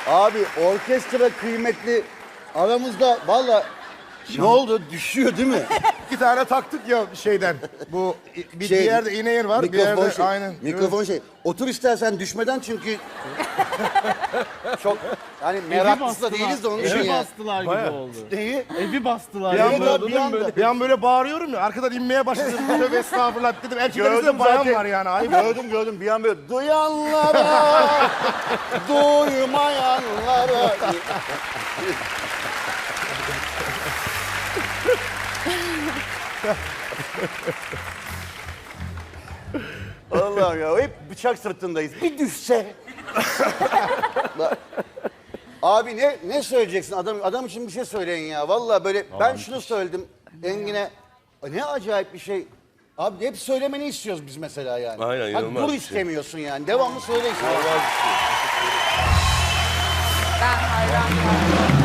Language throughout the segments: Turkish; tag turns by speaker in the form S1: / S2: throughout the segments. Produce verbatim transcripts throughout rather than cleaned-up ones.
S1: Abi orkestra kıymetli aramızda valla ne oldu? Düşüyor değil mi?
S2: İki tane taktık ya şeyden. Bu bir,
S1: Şey,
S2: bir yerde iğne yer var, bir
S1: mikrofon
S2: yerde
S1: şey,
S2: aynen.
S1: Mikrofon şey. Otur istersen düşmeden çünkü çok yani meraklısı da değiliz de onun için
S3: Evi
S1: ya.
S3: bastılar gibi
S2: Bayağı.
S3: oldu.
S1: Neyi?
S3: Evi bastılar
S2: Bir
S3: gibi
S2: anda,
S3: oldu.
S2: bir,
S3: değil mi
S2: anda,
S3: böyle?
S2: bir an böyle bağırıyorum ya, arkadan inmeye başladım. Tövbe estağfurullah dedim. Erkeklerimizde
S1: Gördüm
S2: bayan
S1: zaten.
S2: var yani. Ayıp.
S1: Gördüm gördüm bir an böyle duyanlara duymayanlara. Allah'ım ya hep bıçak sırtındayız. Bir düşse. Bak. Abi ne ne söyleyeceksin adam adam için bir şey söyleyin ya. Vallahi böyle ben şunu söyledim Engin'e. Ne acayip bir şey. Abi hep söylemeni istiyoruz biz mesela yani.
S4: Aynen,
S1: Hadi
S4: inanılmaz
S1: dur
S4: bir şey.
S1: istemiyorsun yani. Devamlı söyle işte.
S5: Ben hayran kaldım.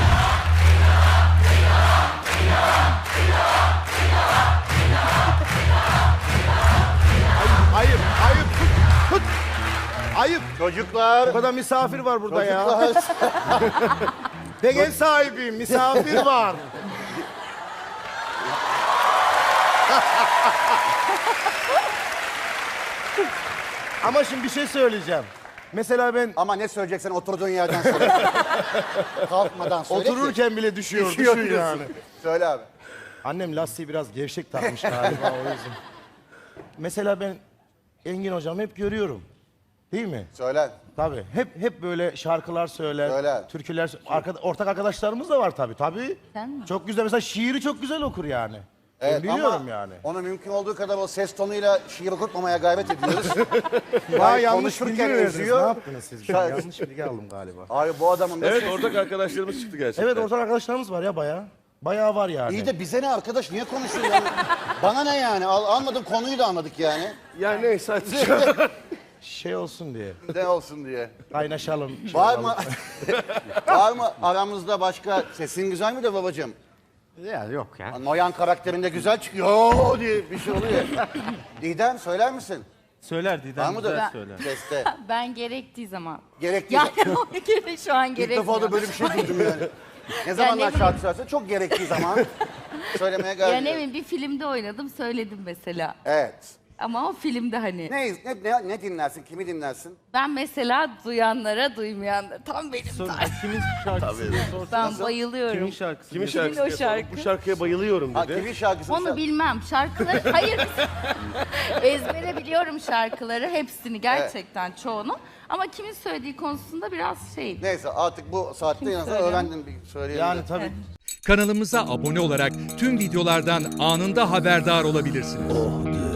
S2: Ayıp, ayıp. Tut, tut. Ayıp.
S1: Çocuklar.
S2: O kadar misafir var burada ya.
S1: Çocuklar.
S2: Ben ev sahibiyim, misafir var. Ama şimdi bir şey söyleyeceğim. Mesela ben
S1: Ama ne söyleyeceksen oturduğun yerden söyle. Kalkmadan söyle ki.
S2: otururken bile düşüyor,
S1: Düşüyor
S2: düşüyor
S1: diyorsun.
S2: yani.
S1: Söyle abi.
S2: Annem lastiği biraz gevşek takmış galiba o yüzden. Mesela ben Engin hocamı hep görüyorum. Değil mi?
S1: Söyle.
S2: Tabii. Hep hep böyle şarkılar söyler,
S1: Söyle.
S2: türküler söyler. Arkada, ortak arkadaşlarımız da var tabii. Tabii.
S5: Sen mi?
S2: Çok güzel. Mesela şiiri çok güzel okur yani.
S1: Evet,
S2: ben biliyorum
S1: ama
S2: yani.
S1: onu mümkün olduğu kadar o ses tonuyla şiir okutmamaya gayret ediyoruz.
S2: Daha
S1: Hayır,
S2: yanlış
S1: konuşurken
S2: bilgi mi verdiniz?
S1: eziyor.
S2: Ne yaptınız siz? Ben yanlış bilgi aldım galiba.
S1: Abi bu adamın da
S4: Evet ortak arkadaşlarımız çıktı gerçekten.
S2: Evet ortak arkadaşlarımız var ya bayağı. Bayağı var yani.
S1: İyi de bize ne arkadaş? Niye konuşuyor yani? Bana ne yani? Al, anladım konuyu da anladık yani.
S4: Yani neyse hadi.
S2: Şey olsun diye.
S1: Ne olsun diye.
S2: Kaynaşalım. şey
S1: Var
S2: olalım.
S1: mı? Var mı aramızda başka? Sesin güzel mi de babacığım?
S3: Ya yok ya.
S1: Noyan karakterinde güzel çıkıyor. Oo diye bir şey oluyor. Didem söyler misin?
S3: Söyler
S1: Var
S3: Didem
S1: mı
S3: güzel
S1: da
S3: söyler.
S1: seste?
S5: Ben gerektiği zaman.
S1: Gerektiği
S5: Yani
S1: zaman.
S5: o kere şu an
S1: İlk
S5: gerekmiyor.
S1: defa da böyle bir şey duydum yani. Ne zamanlar
S5: bileyim.
S1: şarkı söylerse çok gerektiği zaman söylemeye
S5: Ya
S1: gayret
S5: ne
S1: ediyorum.
S5: bileyim bir filmde oynadım söyledim mesela.
S1: Evet.
S5: Ama o filmde hani.
S1: Ne, ne, ne, ne dinlersin? Kimi dinlersin?
S5: Ben mesela duyanlara duymayanlara tam benim
S3: Sor,
S5: tarzım.
S3: kimin şarkısını sorsan.
S5: Ben bayılıyorum.
S3: Kimin şarkısı?
S4: Kimin
S5: Kimin
S4: şarkısı?
S5: o
S4: diye
S5: şarkı?
S4: sorduk. Bu şarkıya bayılıyorum
S1: Ha,
S4: dedi.
S1: kimin şarkısını
S5: Onu
S1: sen-
S5: bilmem. Şarkıları hayır ezbere biliyorum şarkıları hepsini gerçekten çoğunu. Ama kimin söylediği konusunda biraz şey.
S1: Neyse artık bu saatte en azından
S5: söylüyor?
S1: öğrendin bir söyleyelim.
S2: Yani
S1: de.
S2: tabii.
S6: Kanalımıza abone olarak tüm videolardan anında haberdar olabilirsiniz.